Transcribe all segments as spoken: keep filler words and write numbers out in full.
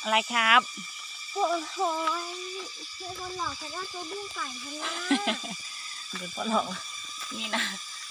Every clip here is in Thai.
อะไรครับโอ้โหเพื่อนคนหลอกฉันว่าตัวบุ้งไก่ฉันนะเดี๋ยวพ่อหลอกนี่นะ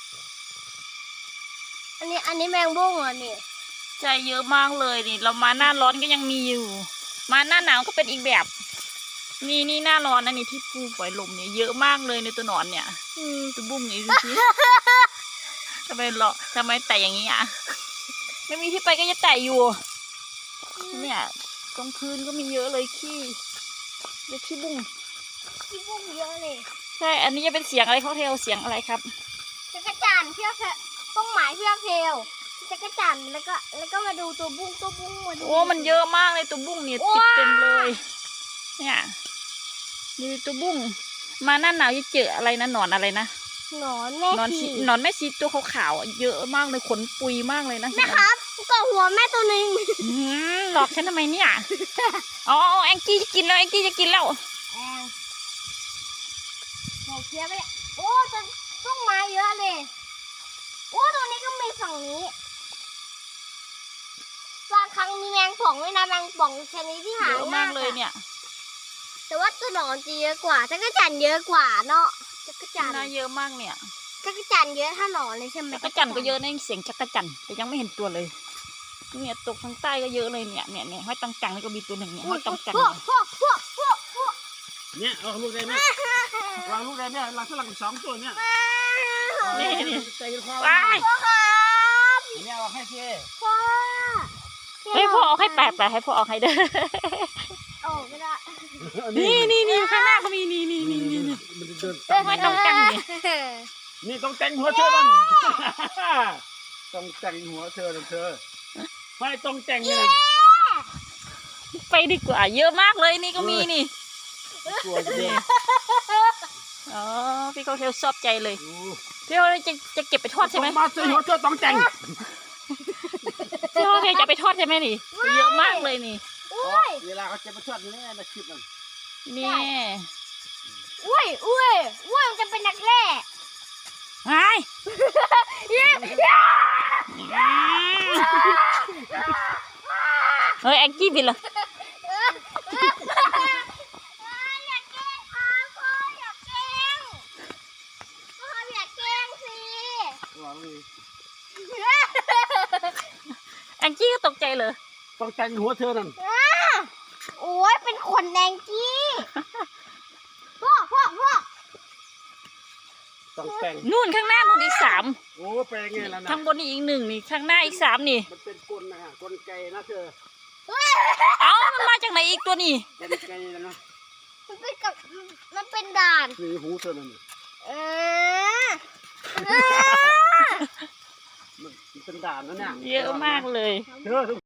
อันนี้อันนี้แมงบุ้งเหรอนี่ใจเยอะมากเลยนี่เรามาหน้าร้อนก็ยังมีอยู่ มาหน้าหนาวก็เป็นอีกแบบ นี่นี่หน้าร้อนนะนี่ที่ปูปล่อยลมเนี่ยเยอะมากเลยในตัวหนอนเนี่ยตัวบุ้งนี่สิทำไมหรอทำไมแต่อย่างนี้อ่ะไม่มีที่ไปก็จะแต่อยู่เนี่ยตรงพื้นก็มีเยอะเลยขี้เรียกขี้บุ้งที่บุ้งเยอะเลยใช่อันนี้จะเป็นเสียงอะไรเขาเทลเสียงอะไรครับจักรจันทร์เพื่อต้นไม้เพื่อเพลจักรจันทร์แล้วก็แล้วก็มาดูตัวบุ้งตัวบุ้งมาดูโอ้มันเยอะมากเลยตัวบุ้งเนี่ยติดเต็มเลย เนี่ยดูตัวบุ้งมาหน้าหนาวจะเจออะไรนะหนอนอะไรนะหนอนแม่หนอนชีหนอนแม่ชีตัวขาวๆเยอะมากเลยขนปุยมากเลยนะแม่ครับก็หัวแม่ตัวหนึ่งอืมหลอกฉันทำไมเนี่ยอ๋อแองจี้จะกินแล้วแองจี้จะกินแล้วแองหมเพี้ยไปเนี่ยโอ้ต้นต้นไม้เยอะเลยโอ้ตรงนี้ก็มีฝั่งนี้บางครั้งมีแมงป่องด้วยนะแมงป่องชนิดที่หาเยอะมากเลยอะเนี่ยแต่ว่าตัวหนอนจะเยอะกว่าจักรจันทร์เยอะกว่าเนาะจักรจันทร์น่าเยอะมากเนี่ยจักรจันทร์เยอะถ้าหนอนเลยใช่ไหมจักรจันทร์ก็เยอะนะเสียงจักรจันทร์แต่ยังไม่เห็นตัวเลยเนี่ยตกทางใต้ก็เยอะเลยเนี่ยเนี่ยเนี่ยห้อยตังจังนี่ก็มีตัวหนึ่งเนี่ยห้อยตังจังพวกพวกพวกพวกพวกเนี่ยเอาลูกได้ไหมวางลูกได้ไหมเราสลับสองตัวเนี่ยนี่นี่ใจเย็นคอว้ายพ่อครับเนี่ยเอาให้เช่พ่อให้พ่อเอาให้แปะแปะให้พ่อเอาให้เด้อโอ้ก็ได้นี่นี่นี่ข้างหน้าก็มีนี่นี่นี่นี่นี่มันจะเดินเออห้อยตังจังนี่นี่ต้องแต่งหัวเธอนั่นต้องแต่งหัวเธอนั่นเธอไม่ต้องแต่งเนี่ยไปดีกว่าเยอะมากเลยนี่ก็มีนี่กลัวเยอะอ๋อพี่เขาเทลชอบใจเลยพี่เขาจะจะเก็บไปทอดใช่ไหมมาซื้อหัวเธอต้องแต่งพี่เขาเทลจะไปทอดใช่ไหมนี่เยอะมากเลยนี่อุ้ยเวลาเขาจะมาทอดนี่ในคลิปนั่นนี่อุ้ยอุ้ยอุ้ยมันจะเป็นนักแร่ไอ้เฮ้ยแองกี้บินเหรออยากแกล้งครับพ่ออยากแกล้งพ่ออยากแกล้งสิวางเลยแองกี้ก็ตกใจเลยต้องแต่งหัวเธอนั่นโอ้ยเป็นขนแดงกี้พ่อพ่อพ่อต้องแต่งนู่นข้างหน้านู่นอีกสามโอ้ไปไงล่ะนะข้างบนนี่อีกหนึ่งนี่ข้างหน้าอีกสามนี่มันเป็นกลนะฮะกลไกนะเธอเอ้ามันมาจากไหนอีกตัวนี่กลไกนะมันเป็นกับมันเป็นด่านนี่หูเธอนั่นเออมันเป็นด่านนะเนี่ยเยอะมากเลยเธอ